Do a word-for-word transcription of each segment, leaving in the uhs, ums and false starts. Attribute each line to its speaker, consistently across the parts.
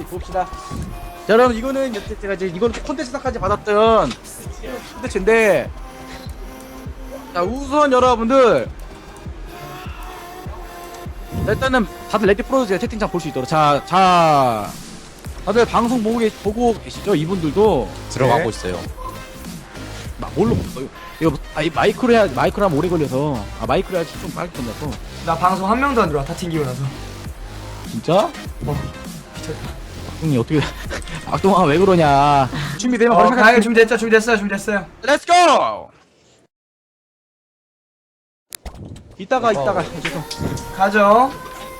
Speaker 1: 봅시다. 자, 여러분 이거는 제가 이제 이거는 콘텐츠상까지 받았던 콘텐츠인데, 자 우선 여러분들 자, 일단은 다들 레디 프로즈 채팅창 볼 수 있도록 자, 자 다들 방송 보고, 계, 보고 계시죠? 이분들도
Speaker 2: 들어가고
Speaker 1: 네.
Speaker 2: 있어요.
Speaker 1: 막 뭘로 볼까요? 이거 아, 이 마이크로 해야 마이크로 하면 오래 걸려서 아 마이크로 해야지 좀 빨리 끝나서.
Speaker 3: 나 방송 한 명도 안 들어와. 다 튕기고 나서.
Speaker 1: 진짜?
Speaker 3: 어.
Speaker 1: 형님 어떻게 악동아 왜 그러냐? 준비되면
Speaker 3: 어,
Speaker 1: 바로
Speaker 3: 가요.
Speaker 1: 시작할게요.
Speaker 3: 준비됐죠? 준비됐어요. 준비됐어요.
Speaker 1: 렛츠 고! 이따가
Speaker 2: 어.
Speaker 1: 이따가 죄송.
Speaker 3: 가죠.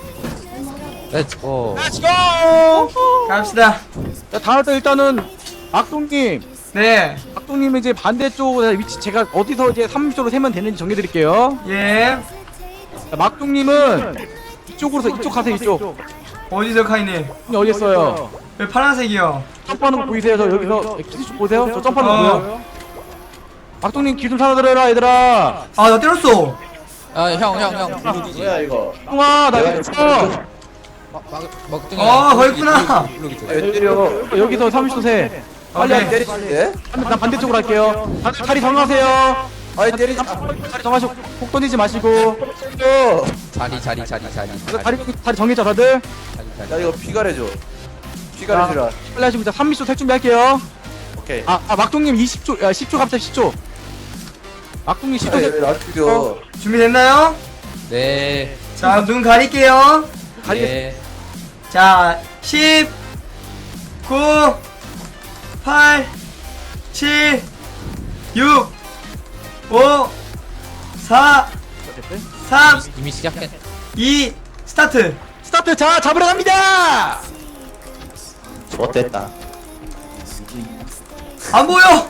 Speaker 2: 렛츠고.
Speaker 1: 렛츠 고!
Speaker 3: 갑시다.
Speaker 1: 자, 다음 때 일단은 악동님,
Speaker 3: 네.
Speaker 1: 악동님 이제 반대쪽 위치 제가 어디서 이제 삼십 초로 세면 되는지 정해드릴게요.
Speaker 3: 예.
Speaker 1: 자, 막동님은 이쪽으로서 이쪽 가세요. 이쪽.
Speaker 3: 어디서 카이님?
Speaker 1: 형님 어디 있어요?
Speaker 3: 왜 파란색이요?
Speaker 1: 점프하는 거 보이세요? 저 여기서 기술 쪽 보세요? 저 점프하는 거
Speaker 3: 어.
Speaker 1: 보여요? 막동님 기술 살아들어라 얘들아.
Speaker 3: 아, 나 때렸어.
Speaker 2: 아, 형, 형, 형. 블루기지.
Speaker 4: 뭐야 이거?
Speaker 1: 형아 나 여기 있어.
Speaker 2: 먹등이.
Speaker 3: 어, 거기 있구나.
Speaker 4: 왜 때려?
Speaker 1: 여기서 삼십 초 세. 빨리
Speaker 3: 오케이.
Speaker 1: 하게.
Speaker 4: 때리는데?
Speaker 1: 난 반대쪽으로 할게요. 다들 자리 정하세요.
Speaker 4: 아니 때리지
Speaker 1: 자리 정하시고 폭 던지지 마시고.
Speaker 2: 자리, 자리, 자리, 자리.
Speaker 1: 다리 다리 정했죠 다들?
Speaker 2: 자리, 자리.
Speaker 4: 야 이거 피가래줘. 피가래주라.
Speaker 1: 빨리 하시고 자 삼십 초 셀 준비할게요.
Speaker 4: 오케이.
Speaker 1: 아, 아 막동님 이십 초, 야 십 초 갑자기 십 초. 막동님 십 초. 세-
Speaker 4: 왜나 죽여?
Speaker 3: 준비됐나요?
Speaker 2: 네.
Speaker 3: 자, 눈 가릴게요.
Speaker 1: 가리겠.
Speaker 2: 네.
Speaker 3: 자, 십, 구, 팔, 칠, 육, 오, 사, 삼,
Speaker 2: 이미 시작했.
Speaker 3: 이, 스타트.
Speaker 1: 스타트. 자 잡으러 갑니다.
Speaker 4: 좋됐다.
Speaker 3: 안 보여.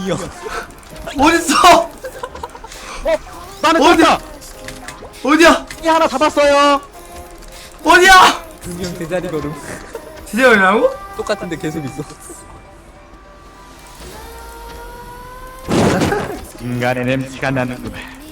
Speaker 3: 어딨어?
Speaker 1: 나는
Speaker 3: 어디?
Speaker 1: 떴다.
Speaker 3: 어디야?
Speaker 1: 이 하나 잡았어요.
Speaker 3: 어디야?
Speaker 2: 분명 제자리거든.
Speaker 3: 진짜 어디라고?
Speaker 2: 똑같은데 계속 있어.
Speaker 1: 인간의 냄새가 나는구나.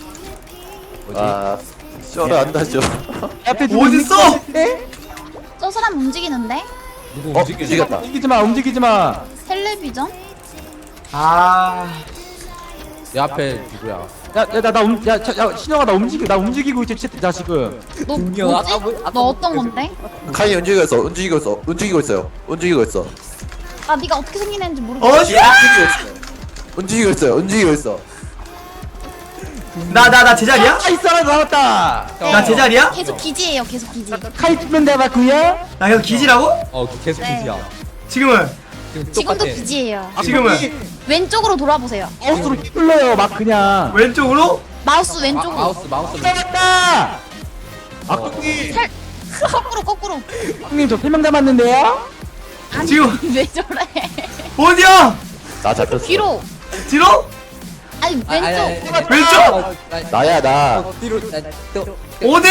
Speaker 4: 아, 쩔어 안 나죠.
Speaker 1: 앞에 누구
Speaker 3: 어딨어?
Speaker 5: 저 사람 움직이는데?
Speaker 2: 누구
Speaker 4: 어,
Speaker 2: 움직이지?
Speaker 4: 움직였다.
Speaker 1: 움직이지 마. 움직이지 마.
Speaker 5: 텔레비전?
Speaker 3: 아,
Speaker 2: 내 앞에 누구야?
Speaker 1: 야야나나 움, 야, 자, 야 신영아 나 움직이 나 움직이고 있지 채- 나 지금.
Speaker 5: 너
Speaker 2: 분명
Speaker 5: 뭐지?
Speaker 2: 아까 뭐- 아까
Speaker 5: 너 어떤 건데?
Speaker 4: 카이 움직이고 있어. 움직이고 있어. 움직이고 있어요. 움직이고 있어.
Speaker 5: 아 네가 어떻게 생긴 애인지 모르겠어.
Speaker 3: 어디야?
Speaker 4: 움직이고 있어요. 움직이고 있어.
Speaker 3: 나, 나, 나 제자리야?
Speaker 1: 아 있어 나 나왔다.
Speaker 3: 나 제자리야?
Speaker 5: 계속 기지예요. 계속 기지.
Speaker 1: 칼 찍는 데 맞구요?
Speaker 3: 나 계속 기지라고?
Speaker 2: 어, 계속
Speaker 5: 네.
Speaker 2: 기지야.
Speaker 3: 지금은?
Speaker 2: 지금
Speaker 5: 지금도
Speaker 2: 똑같아.
Speaker 5: 기지예요.
Speaker 3: 지금은?
Speaker 5: 왼쪽으로 돌아보세요.
Speaker 1: 마우스로 휘둘러요 막 그냥.
Speaker 3: 왼쪽으로?
Speaker 5: 마우스
Speaker 2: 마,
Speaker 5: 왼쪽으로.
Speaker 2: 마우스, 마우스.
Speaker 1: 잡았다. 악동님,
Speaker 5: 살 거꾸로 거꾸로.
Speaker 1: 악동님 저 세 명 남았는데요?
Speaker 5: 아니
Speaker 3: 지금-
Speaker 5: 왜 저래?
Speaker 3: 어디야?
Speaker 4: 나 잡혔어.
Speaker 5: 뒤로.
Speaker 3: 뒤로?
Speaker 5: 아니
Speaker 2: 아, 아니, 아니,
Speaker 5: 왼쪽.
Speaker 2: 아니.
Speaker 3: 왼쪽?
Speaker 2: 어, 나-
Speaker 4: 나야 나.
Speaker 2: 어, 뒤로. 나, 또.
Speaker 3: 어디?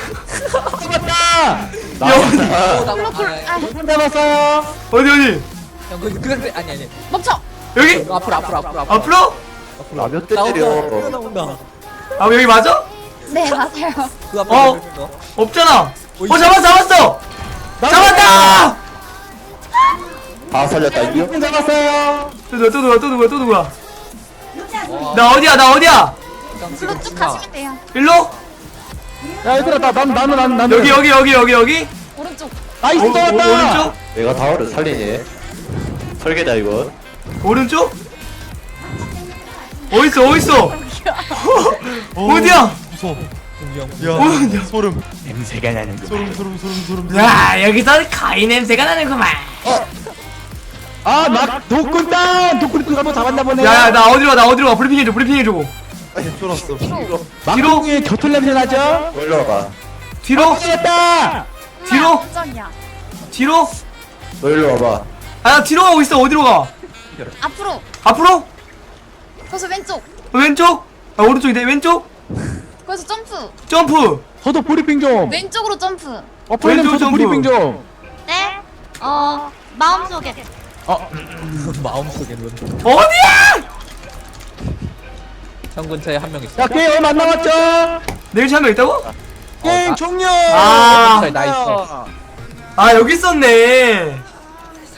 Speaker 1: 잡았다.
Speaker 4: 나야.
Speaker 2: 어, 나-
Speaker 5: 쿨로 쿨.
Speaker 2: 아,
Speaker 5: 아
Speaker 1: 세 명 남았어요.
Speaker 3: 어디, 어디?
Speaker 2: 형, 그, 그 상태 아니 아니.
Speaker 5: 멈춰.
Speaker 3: 여기?
Speaker 2: 어, 앞으로 앞으로 앞으로 앞으로.
Speaker 3: 앞으로?
Speaker 4: 나몇 대
Speaker 2: 나온다.
Speaker 4: 때려.
Speaker 2: 나온다.
Speaker 3: 아, 여기 맞아?
Speaker 5: 네 맞아요.
Speaker 2: 그 앞에
Speaker 3: 어?
Speaker 2: 어?
Speaker 3: 없잖아. 어,
Speaker 2: 어,
Speaker 3: 잡았어, 잡았어! 잡았다!
Speaker 4: 다 살렸다 이거.
Speaker 1: 세 명 잡았어요.
Speaker 3: 또 누구야, 또 누구야, 또 누구야, 또 누구야?
Speaker 2: 와,
Speaker 3: 나 어디야, 나 어디야?
Speaker 2: 형,
Speaker 5: 글로
Speaker 2: 지금
Speaker 5: 쭉
Speaker 2: 신나.
Speaker 5: 가시면 돼요.
Speaker 3: 일로?
Speaker 1: 야 얘들아 나 난 나는 난 나는
Speaker 3: 여기, 여기, 여기, 여기, 여기?
Speaker 5: 오른쪽.
Speaker 1: 나이스
Speaker 3: 오, 오,
Speaker 1: 잡았다.
Speaker 3: 오른쪽?
Speaker 4: 내가 다워를 살리네. 설계다 이거.
Speaker 3: 오른쪽? 어딨어, 어딨어? 어디야? 어디야?
Speaker 1: 소름. 냄새가 나는 거. 소름 소름 소름 소름.
Speaker 3: 야, 여기서 가위 냄새가 나는구만.
Speaker 1: 아막 독군 땅 독군 한번 잡았나 보네.
Speaker 3: 야, 야, 나 어디로 가, 나 어디로 가. 브리핑 해줘, 브리핑 해줘.
Speaker 4: 아니 쫄았어.
Speaker 5: 뒤로.
Speaker 1: 막동에 겨털 냄새 나죠?
Speaker 4: 놀러 가.
Speaker 3: 뒤로?
Speaker 1: 됐다.
Speaker 3: 뒤로?
Speaker 5: 엄마, 깜짝이야.
Speaker 3: 뒤로?
Speaker 4: 너 일로 와봐.
Speaker 3: 아, 나 뒤로 가고 있어. 어디로 가?
Speaker 5: 앞으로.
Speaker 3: 앞으로?
Speaker 5: 거기서 왼쪽.
Speaker 3: 왼쪽? 아, 오른쪽인데, 왼쪽?
Speaker 5: 거기서 점프.
Speaker 3: 점프!
Speaker 1: 저도 브리핑 좀.
Speaker 5: 왼쪽으로 점프.
Speaker 1: 어 프로님
Speaker 3: 왼쪽
Speaker 1: 저도
Speaker 3: 점프.
Speaker 1: 브리핑 좀.
Speaker 5: 네. 어 마음속에.
Speaker 2: 마음속에는
Speaker 3: 어디야?
Speaker 2: 형 근처에 한 명 있어.
Speaker 1: 야 게임 얼마 안 남았죠?
Speaker 3: 내일 참여 있다고?
Speaker 1: 게임
Speaker 2: 나-
Speaker 1: 종료.
Speaker 3: 아.
Speaker 2: 나 있어.
Speaker 3: 아, 여기 있었네.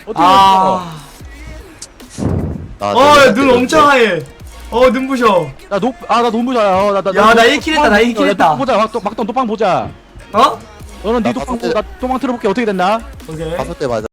Speaker 1: 어떻게
Speaker 3: 아.
Speaker 4: 아,
Speaker 3: 어, 눈 엄청 하얘. 어, 눈부셔.
Speaker 1: 나노아나 너무 잘해. 나나
Speaker 3: 야, 나 일 킬 했다, 나 일 킬 했다.
Speaker 1: 보자. 막동 막동 도빵 보자.
Speaker 3: 어?
Speaker 1: 너는 네
Speaker 4: 나
Speaker 1: 도빵
Speaker 4: 봤을
Speaker 1: 보나 도망 틀어볼게 어떻게 됐나?
Speaker 3: 오케이.
Speaker 4: 다섯 대 맞아.